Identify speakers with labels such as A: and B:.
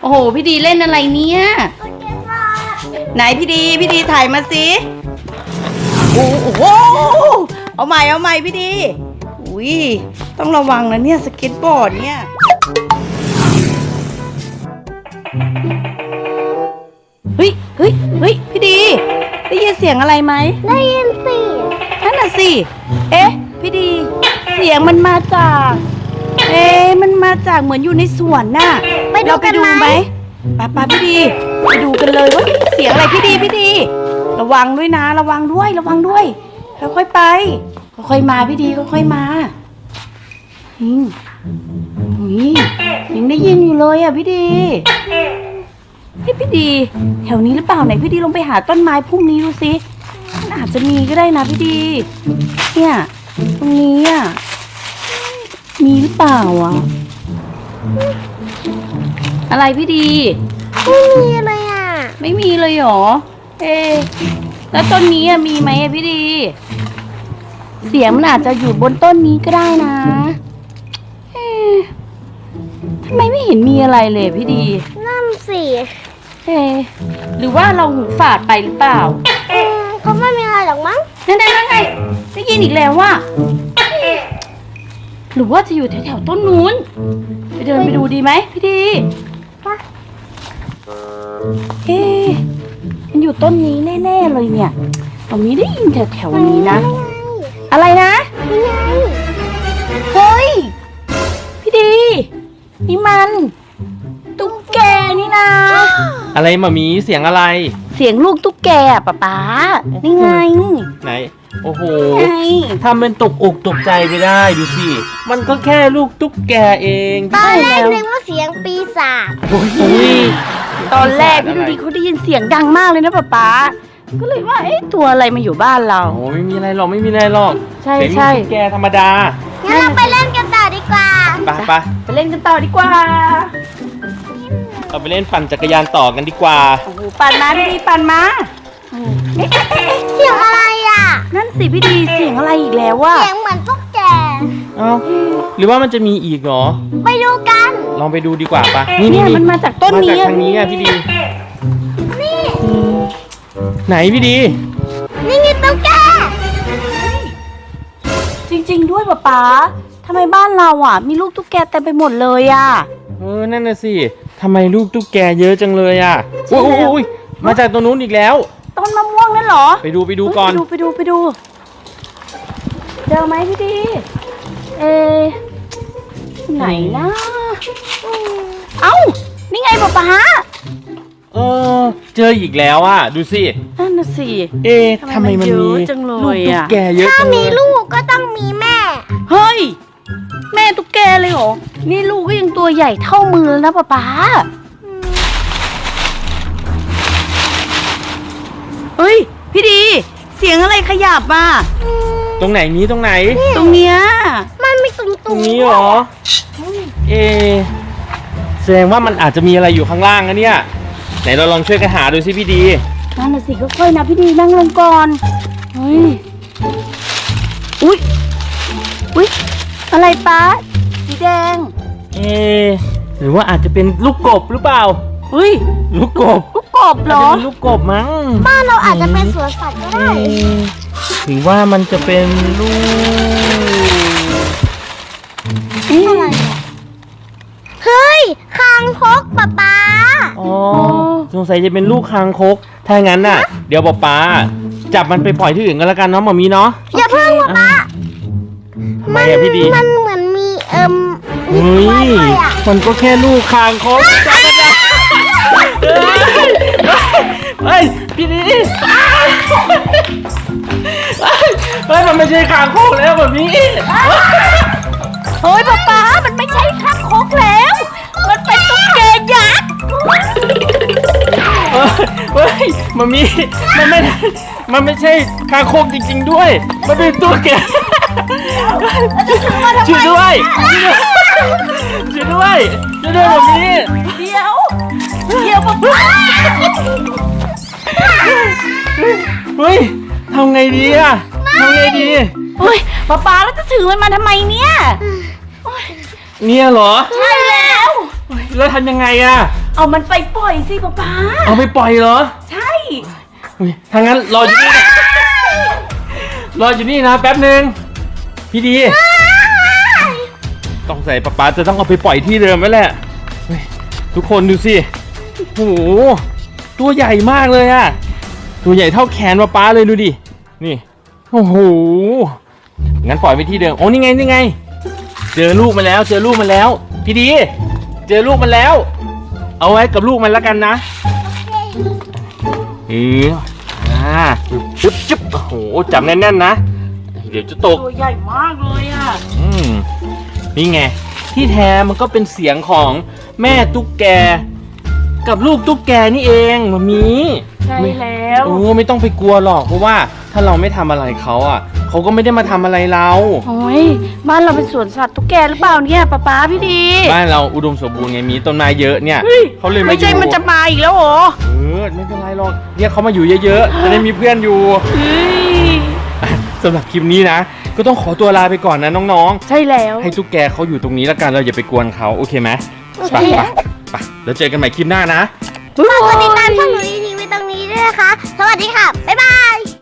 A: โอ้โหพี่ดีเล่นอะไรเนี่ยไหนพี่ดีถ่ายมาสิโอ้โหเอาใหม่พี่ดีอุ้ยต้องระวังนะเนี่ยสเก็ตบอร์ดเนี่ยเฮ้ยพี่ดีได้ยินเสียงอะไรไหม
B: ได้ยินสิ
A: นั่นน่ะสิเอ๊ะพี่ดีเสียงมันมาจากมันมาจากเหมือนอยู่ในสวนน่ะเราไปดูไหมป้าพี่ดีไปดูกันเลยว่าเสียงอะไรพี่ดีระวังด้วยนะระวังด้วยค่อยๆไปค่อยๆมาพี่ดีค่อยๆมายังได้ยินอยู่เลยอ่ะพี่ดีพี่ดีแถวนี้หรือเปล่าไหนพี่ดีลงไปหาต้นไม้พุ่มนี้ดูสิมันอาจจะมีก็ได้นะพี่ดีเนี่ยตรงนี้อ่ะมีหรือเปล่าอ่ะอะไรพี่ดี
B: ไม่มีเลยอ่ะ
A: ไม่มีเลยหรอแล้วต้นนี้มีไหมพี่ดีเสียงมันอาจจะอยู่บนต้นนี้ก็ได้นะทำไมไม่เห็นมีอะไรเลยพี่ดี
B: นั่นสิ
A: หรือว่าเราหูฝาดไปหรือเปล่า
B: เขาไม่มีอะไรหรอกมั้ง
A: นั่นไงได้ยินอีกแล้วว่าหรือว่าจะอยู่แถวต้นนู้นไปเดินไปดูดีไหมพี่ดีมันอยู่ต้นนี้แน่ๆเลยเนี่ยตรงนี้ได้ยินแถวนี้นะอะไรนะเฮ้ยพี่ดีนี่มันตุ๊กแกนี่นะ
C: อะไรมามีเสียงอะไร
A: เสียงลูกตุ๊กแกป๊านี่ไง
C: ไหนโอ้โหทำเป็นตกอกตกใจไปได้ดูสิมันก็แค่ลูกตุ๊กแกเอง
B: ตอนแรกนึกว่าเสียงปีศาจ
A: ตอนแรกพี่ดูดีเขาได้ยินเสียงดังมากเลยนะป๊าก็เลยว่าตัวอะไรมาอยู่บ้านเรา
C: โอ้ไม่มีอะไรหรอก
A: ใช่
C: ตุ๊กแกธรรมดา
B: งั้นเราไปเล่นกันต่อดีกว่า
A: ไปเล่นกันต่อดีกว่า
C: เราไปเล่นปั่นจักรยานต่อกันดีกว่า
A: โอ้โหปั่นมาพี่ดีปั่นมา
B: เสียงอะไรอ่ะ
A: นั่นสิพี่ดีเสียงอะไรอีกแล้ววะ
B: เสียงเหมือนตุ๊กแก
C: หรือว่ามันจะมีอีกเหรอ
B: ไปดูกัน
C: ลองไปดูดีกว่าปะ
A: นี่มันมาจากต้นนี้
C: มาจากทางนี้อ่ะพี่ดี
B: นี่
C: ไหนพี่ดี
B: นี่ไงตุ๊กแก
A: จริงๆด้วยป๊าทำไมบ้านเราอ่ะมีลูกตุ๊กแกเต็มไปหมดเลยอ่ะ
C: นั่นน่ะสิทำไมลูกตุ๊กแกเยอะจังเลยอ่ะโอ้ยมาจากตรงนู้นอีกแล้ว
A: ต้นมะม่วงนั่นเหรอ
C: ไปดูก่อน
A: ไปดูเจอไหมพี่ดีไหนนะเอ้านี่ไงป๊า
C: เจออีกแล้วอ่ะดูสิ
A: นั่นน่ะสิ
C: ทำไมมันมี
A: จังเล
C: ย
A: อ่ะ
C: แกเยอะ
B: ถ้ามีลูกก็ต้องมีแม่
A: เฮ้ยแม่ตุ๊กแกเลยเหรอนี่ลูกก็ยังตัวใหญ่เท่ามือแล้วนะป๊าเฮ้ยพี่ดีเสียงอะไรขยับมา
C: ตรงไหนตรง
A: เนี้ย
B: มันมี
C: ตรงนี้เหรอแสดงว่ามันอาจจะมีอะไรอยู่ข้างล่างนะเนี่ยไหนเราลองช่วยกันหาดูสิพี่ดี
A: นั่นน่ะสิค่อยๆนะพี่ดีนั่งลงก่อนเฮ้ยอุ๊ยอะไรป๊าสีแดง
C: หรือว่าอาจจะเป็นลูกกบหรือเปล่าลูกกบ
A: เหรอ
C: ลูกกบมั้ง
B: บ้านเราอาจจะเป็นสวนสัตว์ก็ได้
C: หรือว่ามันจะเป็นลูก
B: อะไรเฮ้ยคางคกป๊า
C: สงสัยจะเป็นลูกคางคกถ้างั้นน่ะเดี๋ยวป๊าจับมันไปปล่อยที่อื่นกันแล้วกันเนาะหมอมีเนาะ
B: อย่าเพิ่งป๊า
C: มันพี่ดี
B: มันเหมือนมี
C: มันก็แค่ลูกคางคกเฮ้ยพี่ดีมันไม่ใช่คางคกแล้วแบบนี้
A: เฮ้ยป๊ามันไม่ใช่คางคกแล้วมันเป็นตุ๊กแกยักษ์
C: เฮ้ยมันไม่ใช่คางคกจริงๆด้วยมันเป็นตุ๊กแกช่วยด้วยแบบนี้
A: เดี๋ยวป๊า
C: เฮ้ยทำไงดี
A: เฮ้ยป๊าแล้วจะถือมันมาทำไมเนี่ย
C: เหรอ
A: ใช่แล้ว
C: แล้วทำยังไงอะ
A: เอามันไปปล่อยสิป๊า
C: เอาไปปล่อยเหรอ
A: ใช่
C: อุ๊ยถ้างั้นรออยู่นี่นะรออยู่นี่นะแป๊บหนึ่งพี่ดี ต้องใส่ป๊าจะต้องเอาไปปล่อยที่เดิมไว้แหละเฮ้ยทุกคนดูสิโอ้โหตัวใหญ่มากเลยอะตัวใหญ่เท่าแขนป๊าเลยดูดินี่โอ้โหงั้นปล่อยไปที่เดิมโอ้นี่ไงนี่ไง เจอลูกมันแล้วเจอลูกมันแล้วพี่ดี เจอลูกมันแล้ว เอาไว้กับลูกมันแล้วกันนะจึ๊บจึ๊บโอ้โหจับแน่นๆนะเดี๋ยวจะตก
A: ตัวใหญ่มากเลยอ่ะ
C: นี่ไงที่แท้มันก็เป็นเสียงของแม่ตุ๊กแกกับลูกตุ๊กแกนี่เองมามี
A: ใช่แล้ว
C: โอ้ไม่ต้องไปกลัวหรอกเพราะว่าถ้าเราไม่ทำอะไรเขาอ่ะเขาก็ไม่ได้มาทำอะไรเรา
A: โอ้ยบ้านเราเป็นสวนสัตว์ตุ๊กแกหรือเปล่าเนี่ยป๊าพี่ดี
C: บ้านเราอุดมสมบูรณ์ไงมีต้นไม้เยอะเนี่ย
A: เฮ้ย
C: เขาเลยมา
A: ไม่ใช่
C: อยู่
A: มันจะมาอีกแล้วเหรอ
C: ไม่เป็นไรหรอกเนี่ยเขามาอยู่เยอะๆจะได้มีเพื่อนอยู่
A: เฮ้ย
C: สำหรับคลิปนี้นะก็ต้องขอตัวลาไปก่อนนะน้อง
A: ใช่แล้ว
C: ๆให้ตุ๊กแกเขาอยู่ตรงนี้แล้วกันเราอย่าไปกวนเขาโอเคไหม
B: โอเค
C: ไปแล้วเจอกันใหม่คลิปหน้านะ
B: ฝากกดติดตามช่องหนูดีทีวีตรงนี้ด้วยนะคะ สวัสดีค่ะ บ๊ายบาย